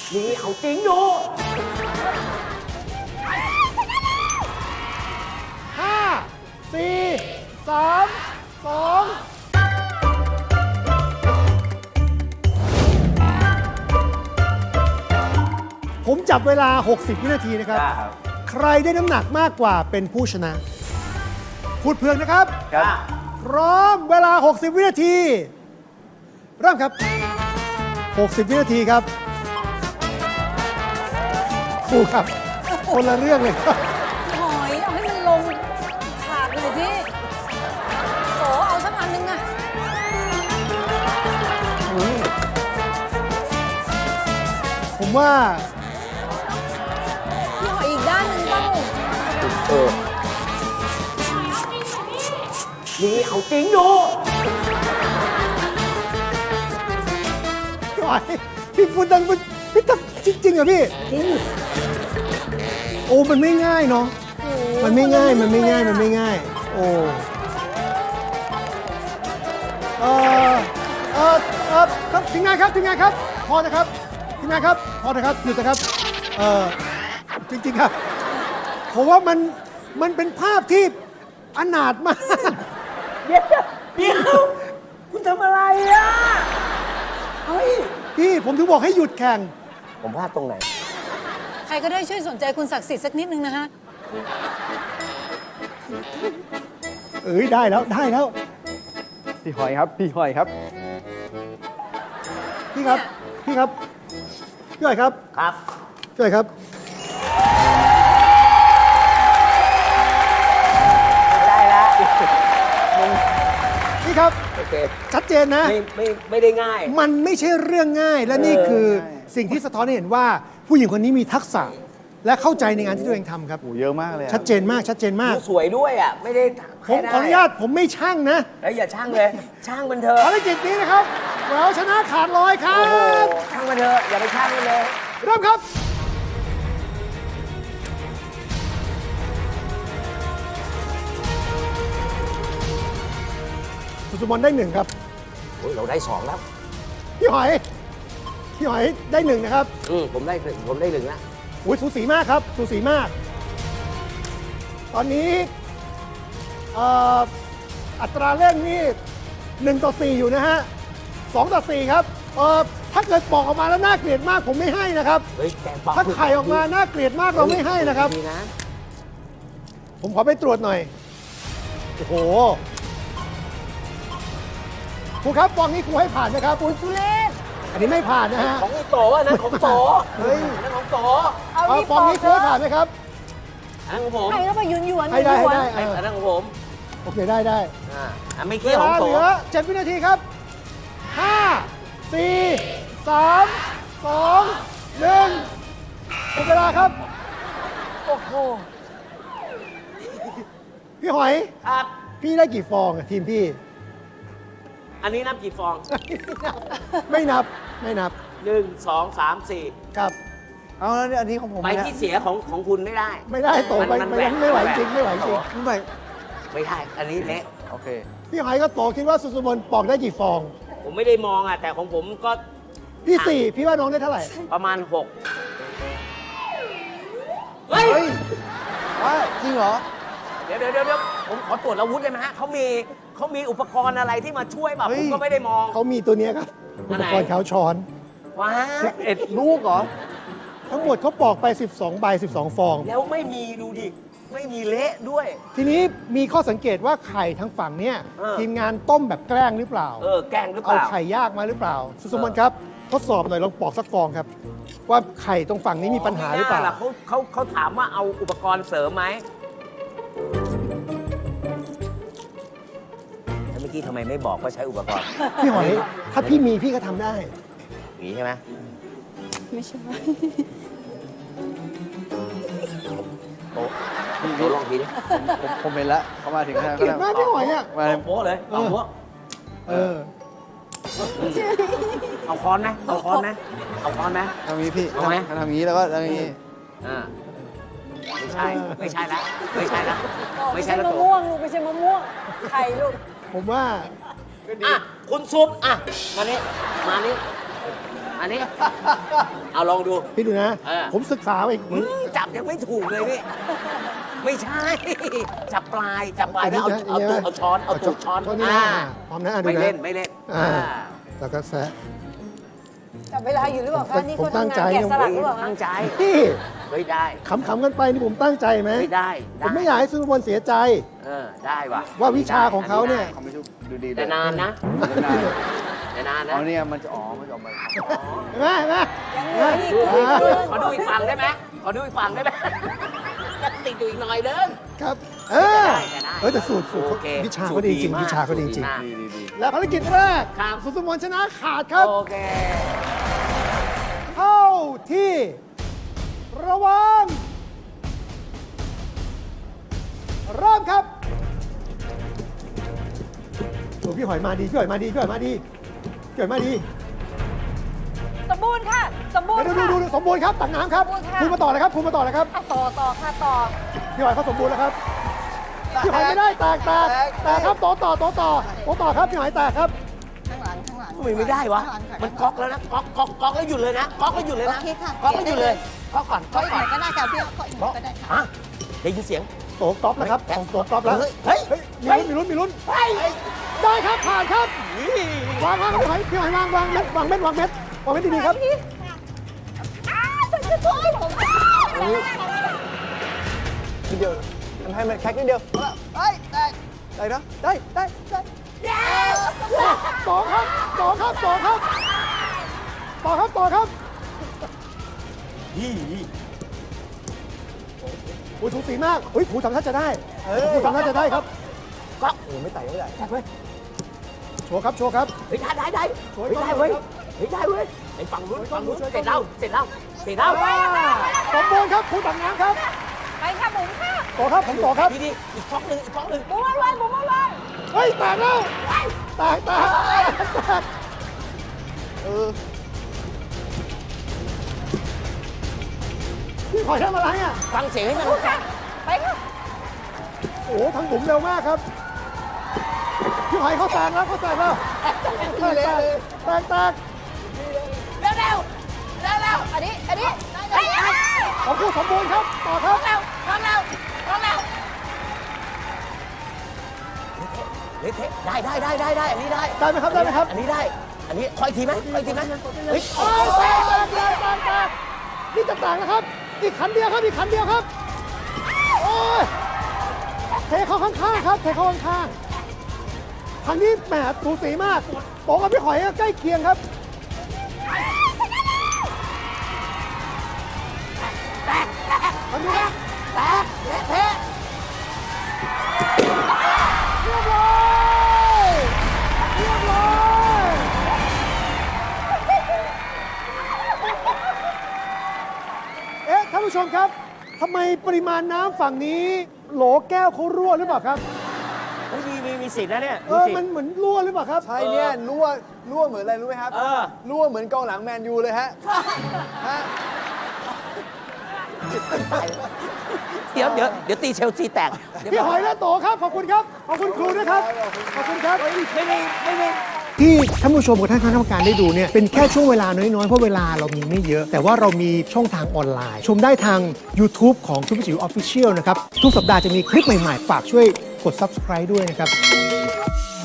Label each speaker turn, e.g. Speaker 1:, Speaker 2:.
Speaker 1: นี่เอาจริงดู
Speaker 2: 5 4 3 2 ผมจับเวลา 60 วินาทีนะครับ ใครได้น้ำหนักมากกว่าเป็นผู้ชนะ พูดเพื่องนะครับ
Speaker 1: ครับ
Speaker 2: พร้อมเวลา 60 วินาที เริ่มครับ 60 วินาทีครับครูครับ คนละเรื่องเลยครับ
Speaker 3: หอยเอาให้มันลงถาดหน่อยสิโสเอาสักอันนึงอะ
Speaker 2: ผมว่า
Speaker 3: พี่หอยอีกด้านหนึงเปล่า
Speaker 1: นี่เอาจริงดู
Speaker 2: พี่หอยพี่พูดดังพี่ทำจริงๆเหรอพี่จริงโอ้มันไม่ง่ายเนาะมันไม่ง่ายมันไม่ง่ายมันไม่ง่าย โอ้ครับทีมงานครับทีมงานครับพอนะครับทีมงานครับพอนะครับหยุดนะครับจริงๆครับผมว่ามันเป็นภาพที่อนาถมาก
Speaker 1: เดี๋ยวคุณทำอะไรอ่ะ เฮ้ย
Speaker 2: พี่ผมถึงบอกให้หยุดแข่ง
Speaker 1: ผมพลาดตรงไหน
Speaker 3: ใครก็ได้ช่วยสนใจคุณศักดิ์สิทธิ์สักนิดนึงนะฮะ
Speaker 2: เอ้ยได้แล้วได้แล้ว
Speaker 4: พี่หอยครับ พี่หอยครับ
Speaker 2: พี่ครับพี่ครับพี่หอยครับ
Speaker 1: ครับ
Speaker 2: พี่หอยครับ
Speaker 1: ได้แล้ว
Speaker 2: พี่ครับ
Speaker 1: โอเค
Speaker 2: ชัดเจนนะ
Speaker 1: ไม่ได้ง่าย
Speaker 2: มันไม่ใช่เรื่องง่าย และนี่คือสิ่งที่สะท้อนให้เห็นว่า ผู้หญิงคนนี้มีทักษะ และเข้าใจในงานที่ตัวเองทำครับ
Speaker 4: โอ้เยอะมากเลยอะ
Speaker 2: ชัดเจนมากชัดเจนมาก
Speaker 1: สวยด้วยอ่ะ ไม่ได้
Speaker 2: ผมขออนุญาตผมไม่ช่างนะ
Speaker 1: แล้วอย่าช่างเลย ช่างมันเถอะ
Speaker 2: ภารกิจนี้นะครับ เราชนะขาดลอยครั
Speaker 1: โอ้โห
Speaker 2: บ
Speaker 1: ช่างมันเถอะ อย่าไปช่างมันเลย
Speaker 2: เริ่มครับ สุสุมนได้หนึ่งครับ
Speaker 1: โอ้ยเราได้2แล้ว
Speaker 2: พี่หอย พี่หอยได้หนึ่งนะครับ
Speaker 1: ผมได้1แล้ว
Speaker 2: อุ้ยสูสีมากครับสูสีมาก ตอนนี้อัตราเร่งนี่1 ต่อ 4 อยู่นะฮะ2 ต่อ 4 ครับถ้าเกิดบอกออกมาแล้วน่าเกลียดมากผมไม่ให้นะครับ
Speaker 1: เฮ้ยแกงปลา
Speaker 2: ถ้าไข่ออกมาน่าเกลียดมากเราไม่ให้นะครับ
Speaker 1: ดีนะ
Speaker 2: ผมขอไปตรวจหน่อย โอ้โหครูครับฟองนี้ครูให้ผ่านนะครับอุ้ยทุเรศอันนี้ไม่ผ่านนะฮะ
Speaker 1: ของโตอันนั้นของโต
Speaker 2: เฮ้ย
Speaker 1: อันนั้นของโต
Speaker 3: เอาที่
Speaker 2: ฟองนี้ครูให้ผ่านไหมครับ
Speaker 1: อันนั้นของผม
Speaker 3: ใครก็ไปหยวนๆ
Speaker 2: ให้ได้
Speaker 3: หยวน
Speaker 2: ให้
Speaker 3: ๆ
Speaker 2: ได้
Speaker 1: อันนั้นของผม
Speaker 2: โอเคได้ได้
Speaker 1: อันไม่
Speaker 2: เว
Speaker 1: เกี่ยวข
Speaker 2: ลา
Speaker 1: องโต
Speaker 2: เหลือ7 วินาทีครับ 5 4 3 2 1หมดเวลาครับ
Speaker 3: โอ้โห
Speaker 2: พี่หอย
Speaker 1: ครับ
Speaker 2: พี่ได้กี่ฟองอะทีมพี่
Speaker 1: อันนี้นับกี่ฟอง
Speaker 2: ไม่นับไม่นับ
Speaker 1: 1 2 3 4
Speaker 2: ครับ
Speaker 4: เอาแล้วเนี่ยอันนี้ของผม
Speaker 1: ใบ
Speaker 4: นะ
Speaker 1: ที่เสียของคุณไม่ได้
Speaker 2: ไม่ได้โตไป
Speaker 1: มัน
Speaker 2: ไม่
Speaker 1: แหวก
Speaker 2: ไม่ไหว
Speaker 1: แหวก
Speaker 2: จริงไม่ไหวจริง
Speaker 4: ไม่ไป
Speaker 1: ไม่ได้ อันนี้เละ
Speaker 4: โอเค
Speaker 2: พี่หอยก็โตคิดว่าสุสุมนปอกได้กี่ฟอง
Speaker 1: ผมไม่ได้มองอ่ะ แต่ของผมก็
Speaker 2: พี่ 4 พี่ว่าน้องได้เท่าไหร่
Speaker 1: ประมาณ 6 เฮ้
Speaker 4: เฮ้
Speaker 1: ย
Speaker 4: ยว่าจริงเหรอ
Speaker 1: เดี๋ยวผมขอตรวจอาวุธได้ไหมฮะเขามีอุปกรณ์อะไรที่มาช่วยแบบ
Speaker 4: เฮ้
Speaker 1: ผ
Speaker 4: ย
Speaker 1: มก็ไม่ได้มอง
Speaker 2: เขามีตัวเนี้ยครับ
Speaker 1: อั
Speaker 2: อุ
Speaker 1: น
Speaker 2: ป
Speaker 1: ไหน
Speaker 2: กรณ์เขาช้อน
Speaker 1: ว้า
Speaker 4: ลูกเหรอ
Speaker 2: ทั้งหมดเขาปอกไป 12 ใบ 12 ฟอง
Speaker 1: แล้วไม่มีดูดิ ไม่มีเละด้วย
Speaker 2: ทีนี้มีข้อสังเกตว่าไข่ทั้งฝั่งเนี้ย
Speaker 1: เออ
Speaker 2: ทีมงานต้มแบบแกล้งหรือเปล่า
Speaker 1: แกล้งหรือเป
Speaker 2: เอา
Speaker 1: ล่า
Speaker 2: ไข่ยากมาหรือเปล่า สุสมนครับ ทดสอบหน่อยลองปอกสักฟองครับ ว่าไข่ตรงฝั่งนี้มีปัญหาหรือเปล่า
Speaker 1: ไม่น่ะเขาถามว่าเอาอุปกรณ์เสริมไหมแล้วเมื่อกี้ทำไมไม่บอกว่าใช้อุปกรณ์
Speaker 2: พี่หอย ถ้าพี่มีพี่ก็ทำได้
Speaker 1: อย่างนี้ใช่ไหม
Speaker 3: ไม่ใช่
Speaker 1: โต๊ะลองทีดิ
Speaker 4: ผมเห็นแล้วเขามาถึงแล้ว
Speaker 2: เกลียดมากพี่หอยอ่ะ
Speaker 4: มา
Speaker 1: เอาโป๊ะเลยเอาโป๊ะ
Speaker 2: เออ
Speaker 1: เอาค้อนไหมเอาค้อนไหมเอาค้อนไหม
Speaker 4: ทำอย่างนี้พี่
Speaker 1: เอาไหม
Speaker 4: ทำอย่างนี้แล้วก็ทำอย่างนี้
Speaker 1: อ่าไม่ใช่ไม่ใช่ละไม่ใช่ละ
Speaker 3: ไม่
Speaker 1: ไม่
Speaker 3: ใช่
Speaker 1: ใช่ละ
Speaker 3: มะ
Speaker 1: โต๊ะ
Speaker 3: ม่วงลูกไม่ใช่มะม่วงไข่ลูก
Speaker 2: ผมว่า
Speaker 1: อ่ะคุณซุปอ่ะมานี่อันนี้ เอาลองดู
Speaker 2: พี่ดูนะ
Speaker 1: เออ
Speaker 2: ผมศึกษามาอีก
Speaker 1: จับยังไม่ถูกเลยนี่ ไม่ใช่ จับปลายแล้วเอาตัวช้อนเอาตัวช้อน
Speaker 2: นี่นะพร้อมนะดู
Speaker 1: ไม่
Speaker 2: นะ
Speaker 1: เล่นไม่เล่น
Speaker 2: แล้วก็แซะ
Speaker 3: จับเวลาอยู่หรือเปล่าคะนี่
Speaker 2: ผม
Speaker 3: เขา
Speaker 2: ตั้ง
Speaker 3: ทำ
Speaker 2: ใจ
Speaker 3: งานแกะสลักหรือเปล่าคะ
Speaker 1: ตั้งใจ
Speaker 2: พี่
Speaker 1: ไม่ได้
Speaker 2: ขำๆกันไปนี่ผมตั้งใจไหม
Speaker 1: ไม่ได้
Speaker 2: ผมไม่อยากให้ซุปเปอร์บอลเสียใจ
Speaker 1: ได้ว่ะ
Speaker 2: ว่าวิชาของเขาเนี่ย
Speaker 4: เขาไม่ดูดีเลย
Speaker 1: แต่นานนะแต่นานนะ
Speaker 4: เอาเนี่ยมันจะอ๋อมันจะออกมา
Speaker 2: เห็นไหมเห็นไหม
Speaker 3: ยังเหลืออีกเหลืออีก
Speaker 1: ขอดูอีกฝั่งได้ไหมขอดูอีกฝั่งได้ไหมยังติดอยู่อีกหน่อยเดิน
Speaker 2: ครับ
Speaker 1: ได้
Speaker 2: แต่สูตร
Speaker 1: โอเค
Speaker 2: วิชาเขาดีจริง
Speaker 1: สูตรดีมาก
Speaker 2: วิชาเขาดีจริง
Speaker 1: สูตรดีมาก
Speaker 4: ดี
Speaker 2: และภารกิจแรก
Speaker 1: ครับ
Speaker 2: สุสมนชนะขาดครับ
Speaker 1: โอเค
Speaker 2: เข้าที่ระวังเริ่มครับโอ้พี่หอยมาดีพี่หอยมาดีพี่หอยมาดีพี่หอยมาดี
Speaker 3: สมบูรณ์ค่ะสมบูรณ์
Speaker 2: ดู
Speaker 3: ค่ะ
Speaker 2: สมบูรณ์ครับตักน้ำครับ
Speaker 3: สมบูรณ์ค่ะ
Speaker 2: คุณมาต่อเลยครับคุณมาต่อเลยครับ
Speaker 3: อ่ะต่อค่ะต่อ
Speaker 2: พี่หอยเขาสมบูรณ์แล้วครับพี่หอยไม่ได้แตกครับต่อครับพี่หอยแตกครับ
Speaker 3: ข้างหลังข้างหลัง
Speaker 1: ทำไมไม่ได้วะ มันก๊อกแล้วนะก๊อกแล้วหยุดเลยนะก๊อกแล้วหยุดเลยนะ
Speaker 3: โอเคค่ะ
Speaker 1: ก๊อกแล้วหยุดเลยก๊อกก่อน
Speaker 3: ก็
Speaker 1: ก๊อก
Speaker 3: อีกห
Speaker 1: ก่
Speaker 3: น่
Speaker 1: อ
Speaker 3: อน ยก็ได้ค่ะพี่ก็อีกหน่อยก็ได้ค่ะ
Speaker 1: ฮะได้ยินเสียง
Speaker 2: โตก๊อฟแล้วครับของโตก๊อฟแล้ว
Speaker 1: เฮ้ย
Speaker 2: มีลุ้นได้ครับผ่านครับวางพี่หอยวางเม็ดดีๆครับ
Speaker 3: ฉันจะช่วยผม
Speaker 4: นิดเดียวทำให้มันแค็กนิดเดียวได้นะได้
Speaker 2: ต่อครับโอ้ยสูสีมากเฮ้ยครูทำท่าจะได้ครูทำท่าจะได้ครับ
Speaker 1: ก๊อก
Speaker 2: ไม่ไต่แตกเว้ยโชว์ครับ
Speaker 1: เฮ้ยได้เฮ้ยได้เว้ยไอ้ฝั่งนู้นเสร็จแล้ว
Speaker 2: สมบูรณ์ครับครูตักน้ำครับ
Speaker 3: ไปค่ะหมุนค่ะ
Speaker 2: ต่อครับผมต่อครับ
Speaker 1: ดีอีกก๊อกหนึ่ง
Speaker 3: หมุนไว้หมุนไว้
Speaker 2: เฮ้ยแตกแล้วแตกพี่หอยทำอะไรอ่ะ
Speaker 1: ฟังเสียงให้มัน
Speaker 3: ไปค่ะ
Speaker 2: โอ้ทางบุ๋มเร็วมากครับ พี่หอยเขาแตกแล้วแตก
Speaker 1: เร็ว
Speaker 3: อันนี้
Speaker 2: ของผู้สมบูรณ์ครับ ต่อครับ
Speaker 1: เละได้อันนี้ได้
Speaker 2: ได้ไหมครับ
Speaker 1: อันนี้ได้ อันนี้คอยทีไหมเฮ้ย
Speaker 2: แตกนี่จะแตกแล้วครับ อีกขันเดียวครับ โอ้ยเทเข้าข้างๆครับทางนี้แหมสูสีมากโป๋กับพี่หอยใกล้เคียงครับทางนี้ครับ
Speaker 1: แตกเละเทะ
Speaker 2: เรียบร้อย ท่านผู้ชมครับทำไมปริมาณน้ำฝั่งนี้ โหลแก้วเขารั่วหรือเปล่าครับ
Speaker 1: มีสิทธิ์นะเนี่ย
Speaker 2: มันเหมือนรั่วหรือเปล่าครับ
Speaker 4: ใช่เนี่ยรั่วเหมือนอะไรรู้ไหมครับรั่วเหมือนกองหลังแมนยูเลยฮะ
Speaker 1: เดี๋ยวตีเชลซีแตก
Speaker 2: พี่หอยและโตครับ ขอบคุณครับ ขอบคุณครูด้วยครับ ขอบคุณครับ
Speaker 1: ไม่มี
Speaker 2: ที่ท่านผู้ชมกับท่านคณะกรรมการได้ดูเนี่ยเป็นแค่ช่วงเวลาน้อยๆ เพราะเวลาเรามีไม่เยอะ แต่ว่าเรามีช่องทางออนไลน์ ชมได้ทาง YouTube ของทุกจิ๋ว Official นะครับ ทุกสัปดาห์จะมีคลิปใหม่ๆ ฝากช่วยกด Subscribe ด้วยนะครับ